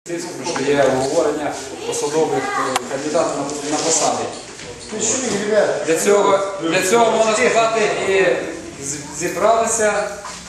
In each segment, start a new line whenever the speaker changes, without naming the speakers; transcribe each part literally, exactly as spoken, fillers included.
Що є обговорення посадових кандидатів на посади. Для цього, для цього, можна сказати, і зібралися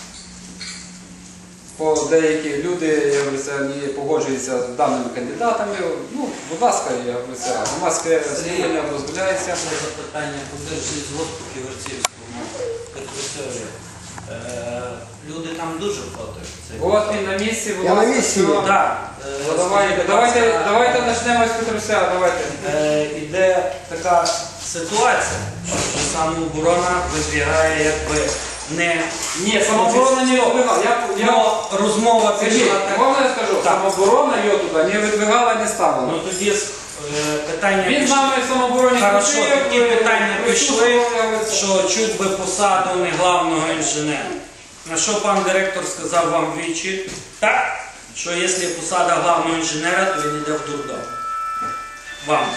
по деякі люди, я говорю, не погоджуються з даними кандидатами. Ну, будь ласка, я говорю, громадське слухання дозволяється.
Запитання подержі з госпіту Верцівському Петрусеві. Люди там дуже проти.
От він на місці, будь
Я
ласка.
на місці.
Так.
Давайте, давайте, давайте почнемо з Петруся, давайте.
Іде така ситуація, що самооборона вибігає якби не...
Ні, самооборона не відбігала. Я, я,
розмова пішла так.
можна я скажу? Самооборона її туди не відбігала, не ставила.
Ну тоді питання
Він з нами в самообороні
Хорошо, такі питання пішли,
що
що чуть би посаду не главного інженера. На що пан директор сказав вам двічі, так, що якщо посада главного інженера, то він йде в дурдом. Вам.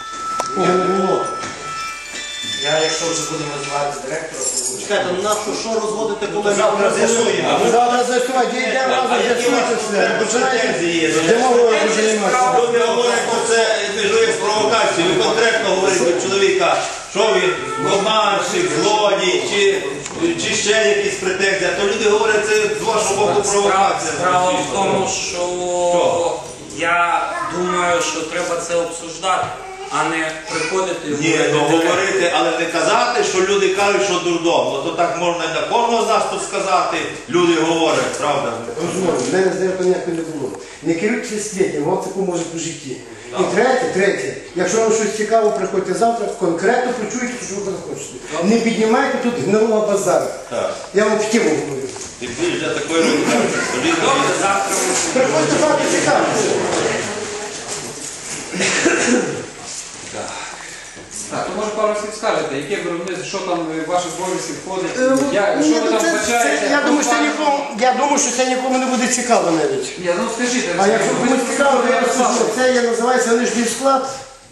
Я, якщо вже будемо розвивати директора, то буду.
Чекайте, ну нащо що розводити, коли завтра з'ясуємо?
Завтра з'ясувати, йдемо разом, з'ясуйте все. Починайте, демагогію займатися.
Люди говорять, що це межує з провокацією. Ви конкретно говорите до чоловіка, що він обманщик, злодій, чи, чи ще якісь претензії. То люди говорять, це з вашого боку провокація.
Справа в тому, що я думаю, що треба це обсуждати, а не приходити і
Ні, ну говорити, але не казати, що люди кажуть, що дурдом. Ну то так можна і на кожного з нас тут сказати. Люди говорять, правда?
Розумію, в мене здається ніякого не було. Не керуйтеся світом, вам таку може у житті. І третє, третє, якщо вам щось цікаво, приходьте завтра, конкретно почуйте, що ви хочете. Не піднімайте тут гнилого базару. Я вам в тему говорю.
Ти більш для такої організації.
Добре, завтра ми...
Приходьте завтра, цікавіться.
Так, то може пару слів скажете, яке виробництво, що там в ваші обов'язки входить,
Е,
я,
ні,
що ви
ну,
там
це-
вбачаєте?
це- Я думаю, що це нікому, я думаю, що це нікому не буде цікаво навіть.
Ні, ну скажіть,
А якщо комусь цікаво, то я розкажу. Це є, називається нижній склад.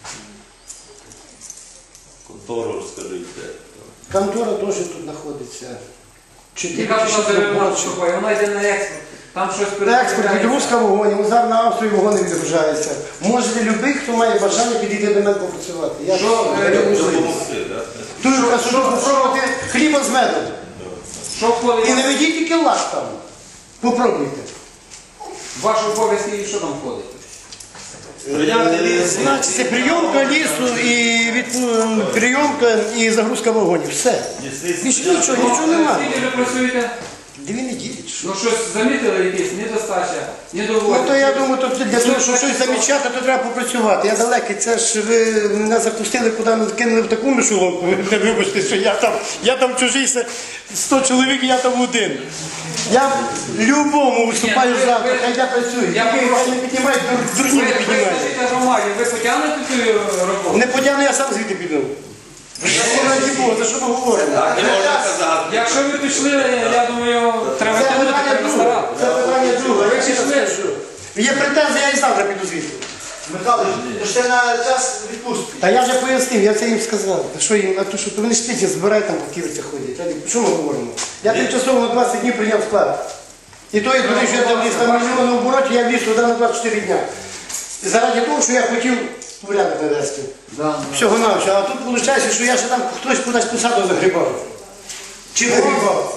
Контору розкажіть.
Контора теж тут знаходиться.
яка ж вона деревина поступає, вона йде на експорт, там щось
На експорт білоруська вогонь, зараз на Австрію вогони відгружаються. Може любий, хто має бажання підійти до мене попрацювати. Я
Що,
даю
е,
можливість. Тут що попробувати хліба з медом.
Що входить
І не ведіть тільки лак там. Попробуйте.
в ваші обов'язки і що там входить?
Прийняти ліс.
Значить, це прийомка лісу і від, прийомка і загрузка вогонів. Все. Більше нічого, нічого немає.
Скільки ви працюєте?
Дві неділі. чи що?
Ну щось замітили якісь недостача, недоволі?
Ну то я думаю, то для того, щоб щось замічати, то треба попрацювати. Я далекий, це ж ви мене запустили, куди ми кинули в таку мишоловку. Ви вибачте, що я там, я там чужий, сто чоловік, я там один. Я любому виступаю
Ні, ну, ви-
завтра,
ви-
хай я працюю.
Я
Який
прошу.
хай не піднімають, дур-
Ви,
дурні
ви
не піднімають.
скажіть громаді, ви потягнете цю роботу?
Не потягну, я сам звідти піду. Раді Бога, за що ми говоримо?
Так, не можна казати.
Якщо ви пішли, я думаю, треба
Це
тягнути,
питання
треба
друге.
старатися.
Це питання друге.
Ви
Я ще раз
пішли.
кажу. Є претензії, я і завтра піду звідти.
Михайлович, то ж це на час відпустки.
Та я вже пояснив, я це їм сказав. Та що їм, а то що, то вони ж пісня збирають там по ківерцях ходять. Та що ми говоримо? Я тимчасово на двадцять днів прийняв склад. І то, як вони, що я там вліз на мільйонному обороті, я вліз туди на двадцять чотири дня. І заради того, що я хотів порядок навести. Всього навчого. А тут виходить, що я ще там хтось кудись посаду загрібав. Чи загрібав?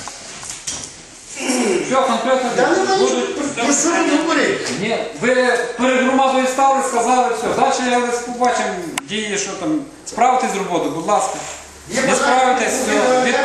Що конкретно
Та не знаю,
будуть?
про що ви говорите?
Ні, ви перед громадою стали, сказали, все. Далі я вас побачимо, дії, що там. Справитесь з роботою, будь ласка.
Є
Не
бажання,
справитесь,
буде
все.